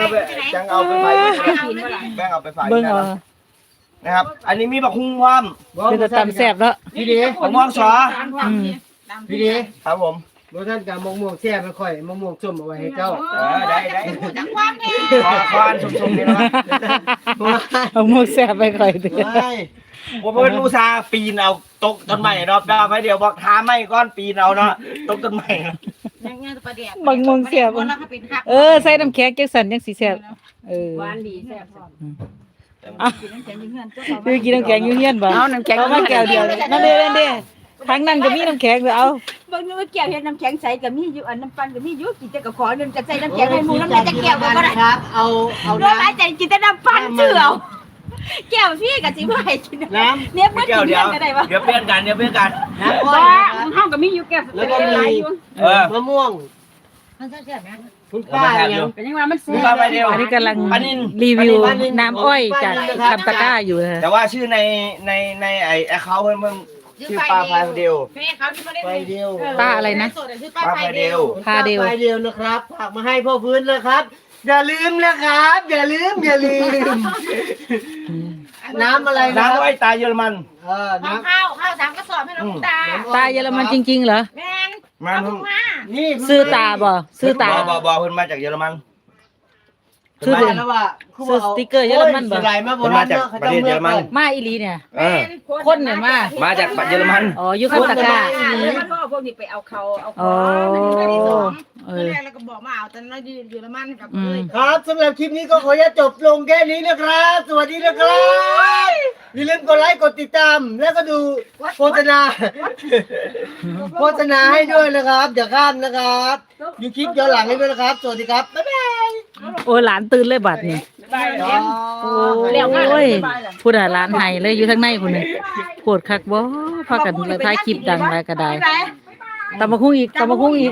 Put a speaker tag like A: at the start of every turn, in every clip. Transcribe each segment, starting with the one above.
A: จังเอาไปไฟแบ่งเอาไปไฟนะครับอันนี้มีบักฮุ้งพร้อม
B: คือจะตำแซ่บแล้ว
C: พี่ดี
A: บักม่วงสอ
C: พี่ดี
A: ครับผม
C: โบท่านกับมะม่วงแซ่บไม่ค่อยมะม่วงส้มเอาไว้ให้เจ้า
A: ได้จังความเนี่ยคอนชมๆนี่นะ
B: เอาหมูแซ่บไปก่อยเด้อ
A: ผมเป็นอุตสาห์ปีนเอาตกต้นไม้เนาะแบบไม่เดี๋ยวบอกท้าไม่ก้อนปีนเอาเนาะตกต้นไม้
B: บางมงแซ่บใส่น้ำแข็งจังสั่นจังสิแซ่บ
D: หวานดีแซ่บพร้อม
B: กินน้ำแข็งอยู่เฮียนบ่เอาน้ำแข็งมาแก้วเดียวนั่นเด้ทางนั้นก็มีน้ำแข็งเอา
D: เบิ่งนึกว่าแก้วเฮ็ดน้ำแข็งใสก็มีอยู่อันน้ำปั่นก็มีอยู่กินแต่ก็ขอนึงจะใส่น้ำแข็งให้หมู่น้ำจะแก้วก็บ่ได้
C: ครับเอา
D: โดนหลายใจกินแต่น้ำปั่นเชื่อเอาแก้วพี่ก็สิบ่ให้กินน้ำเนี่ยบ่กินก็ได้บ่
A: เดี๋ยวเปลี่ยนกัน
C: น้ำอ้อย
D: เฮาก็มีอยู่แก้ว
C: แล้วก็มี มะม่วงมันแซ่บนะคุณป้ายัง
D: เป็นยังว่ามันแซ่บ
B: อันนี้กำลังรีวิวน้ำอ้อยจากคำตะก้าอยู่นะ
A: แต่ว่าชื่อในไอ้แอคเคาท์เพิ่นชื่อปลาไฟเดียว
C: ไฟเดียว
B: ป้าอะไรนะ
A: ปลาไฟเดียว
B: พาเดียว
C: ไฟเดียวนะครับฝากมาให้พ่อพื้นนะครับ อย่าลืมนะครับ อย่าลืมน้ำอะไรนะ
A: น้ำอ้อยตาเยอรมัน
C: น้ำ
D: ข้าว3กระสอบให้น้องตา
B: ตาเยอรมันจริงๆเหรอ
D: แม่น
A: มัน
C: นี่
B: ซื้อตาบ่ซื้อตา
A: บ่เพิ่นมาจากเยอรมัน
B: ซื้อ
C: เดือนแล้วว่า
B: ซื้อสติ๊กเกอร์เยอรมันบ่
C: สไลด์มาโบราณเนาะ
A: ประเทศเยอรมัน
B: มาอีหลีเนี่ย
D: คน
B: คนเนี่ยมา
A: จากเยอรมัน
B: อ๋ออยู่คำตะก้า
D: แล้วมันก็เอาพวกนี้ไปเอาเขาเอาข
B: อ๋
D: อ
B: อ
D: แรกแล้วก็บอกมาเอาแต่น้อยเยอรมันกับเลย
C: ครับสำหรับคลิปนี้ก็ขอจะจบลงแค่นี้นะครับ สวัสดีนะครับ อย่าลืมกดไลค์กดติดตาม แล้วก็ดูโฆษณาให้ด้วยนะครับอย่าข้ามนะครับดูคลิปย้อนหลังให้ด้วยนะครับ สวัสดีครับบ๊ายบาย
B: โอ้ยหลานตื่นเลยบัดนี่ โอ้ยพูดหลานไห้เลยอยู่ทางในพุ่นนี่ปวดคักบ่พากันเลยถ่ายคลิปดังหลายก็ได้ตำบักหุ่งอีกบ่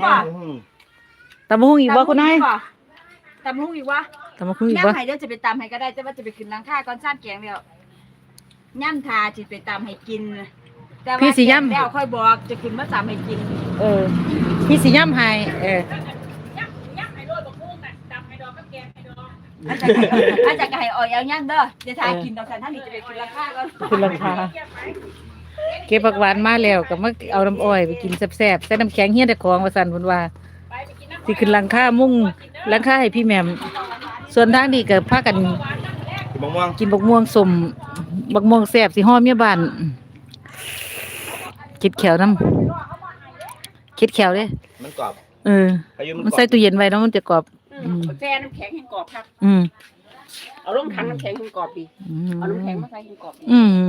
B: คุณนาย
D: ตำหุ่งอีกวะ
B: ตำบักหุ่งอีก
D: ย่ำ
B: บ่
D: ไห้เดี๋ยวจะไปตำให้ก็ได้แต่ว่าจะไปขึ้นหลังคาก่อนซ่านแกงแล้วย่ำทาจะไปตำให้กินแต่ว่าแล้วค่อยบอกจะขึ้นมาตำให้กิน
B: พี่สิย่ำให้
D: ย่ำให้โรยบักหุ่งน่ะตำให้ดอกกับแกงให้ดอกอาจารย์ก็ให้อ่อยเอาย่ำเด้อจะทากินดอกสันท่านนี่จะไปขึ้นหลังคาก่อน
B: คุณราคาเก็บผักหวานมาแล้วก็มาเอาน้ำอ้อยไปกินแซ่บๆใส่น้ำแข็งเฮียแต่ของว่าซั่นเพิ่นว่าสิขึ้นหลังคามุ่งหลังคาให้พี่แหม่มส่วนทางนี้ก็พากัน
A: มะม่วง
B: กินบักม่วงสมบักม่วงแซ่บสิฮ้อเมียบ้านคิดแขวน้ำคิดแขวเด้
A: มันกรอบ
B: มันใส่ตู้เย็นไว้แล้วมันจะกรอบ
D: แช่น้ำแข็งให้กรอบครับ
B: อืม
D: เอาลงถังน้ำแข็งให้กรอบดีเอาน้ำแข็งมาใส่ให้กรอบดี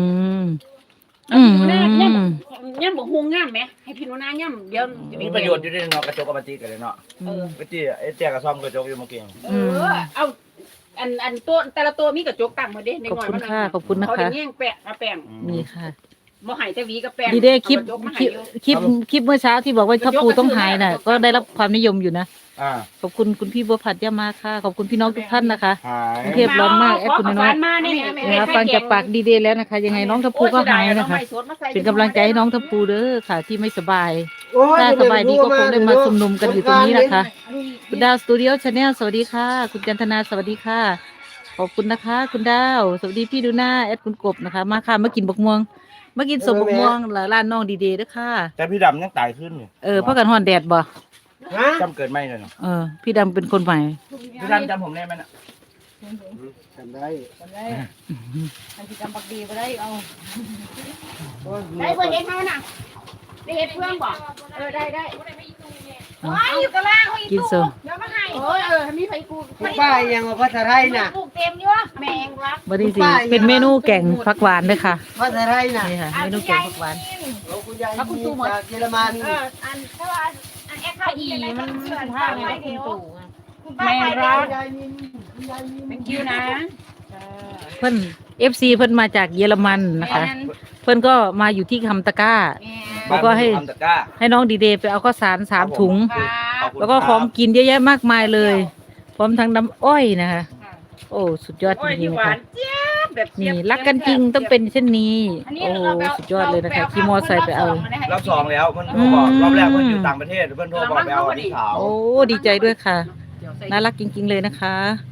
D: ย่ำบอกฮวงง่ามไหมให้พี่โนนาย่ำเดี๋ยว
A: มีประโยชน์อยู่ด้วยเนาะกระจกกับมันตีกันเลยเนาะกระจีไอ้เจ๊กระซ่อมกระจกอยู่เมื่อกี้
D: เอาอันตัวแต่ละตัวมีกระจกตั้งหมดเด้ใน
B: ขอบ
D: หน่อย
B: คุณ
D: มัน
B: ค่ะขอบคุณนะ
D: เขา
B: คะ
D: ได้แย่งแปะมาแป้ง
B: นี่ค่ะ
D: บ่หายแต่วีกับแป้ง
B: ดีเด้คลิปเมื่อเช้าที่บอกว่าถ้าปูต้องหายน่ะ ก็ได้รับความนิยมอยู่นะขอบคุณคุณพี่บัวผัดย่ามาค่ะขอบคุณพี่น้องทุกท่านนะคะกรุงเทพร้อนมากแอดคุณน้อยนะคะฟังจากปากดีเดย์แล้วนะคะ ยังไงน้องทัพพูก็หายนะคะเป็นกำลังใจให้น้องทัพพูเด้อค่ะ ที่ไม่สบายถ้าสบายดีก็คงได้มาชุมนุมกันอยู่ตรงนี้นะคะคุณดาวสตูดิโอชาแนลสวัสดีค่ะคุณจันทนาสวัสดีค่ะขอบคุณนะคะคุณดาวสวัสดีพี่ดูหน้าแอดคุณกบนะคะมาค่ะมากินบกม่วงมากินสมบกม่วงร้านน้องดีเดย์ด้วยค่ะ
A: แต่พี่ดำยังตายขึ้น
B: เพราะกันฮ้อนแดดบ่
A: จำเกิดไม่เลยเนาะ
B: พี่ดำเป็นคนใหม่
A: พี่ดำจำผมได้ไหมน่ะ
C: จำได้
D: อันที่จำบักดีบ่ได้เอาได้เพื่อนเฮ็ดเฮาน่ะได้เฮ็ดเพื่อนบ่ได้โอ้ยอยู่ตารางเขาอีก
B: กินโซ
D: เดี๋ยวมาให้มีไผกู
C: คุณป้ายังว่าภาษาไทยน่ะ
D: ปลูกเต็มอยู่แมงรัก
B: บัดนี้สิเป็นเมนูแกงผักหวานด้วยค่ะ
C: ภาษาไทยน่ะ
B: นี่ค่ะเมนูแกงผักหวาน
C: คุณยายจากเยอรมัน
D: อันถ้าว่าอันแอคคาอีมันผ้าไว้เดียวแมง
C: คุ
D: รัก
C: ณยายมินคุณยายมิน
D: เป็นคิวนะ
B: เพิ่น FC เพิ่นมาจากเยอรมันนะคะ เพิ่นก็มาอยู่ที่คำตะกร้า แล้วก็ให้น้องดีเดย์ไปเอาข้าวสาร3 ถุง แล้วก็ของกินเยอะแยะมากมายเลยพร้อมทั้งน้ำอ้อยนะคะ โอ้สุดยอดจริงๆนะคะนี่รักกันจริงต้องเป็นเช่นนี้โอ้สุดยอดเลยนะคะขี่มอไซค์ไปเอา
A: รอบ2แล้วเพิ่นโทรบอกรอบแรกเพิ่นอยู่ต่างประเทศเพิ่นโทรบอกไปเอาอันนี้ขาว
B: โอ้ดีใจด้วยค่ะน่ารักจริงๆเลยนะคะ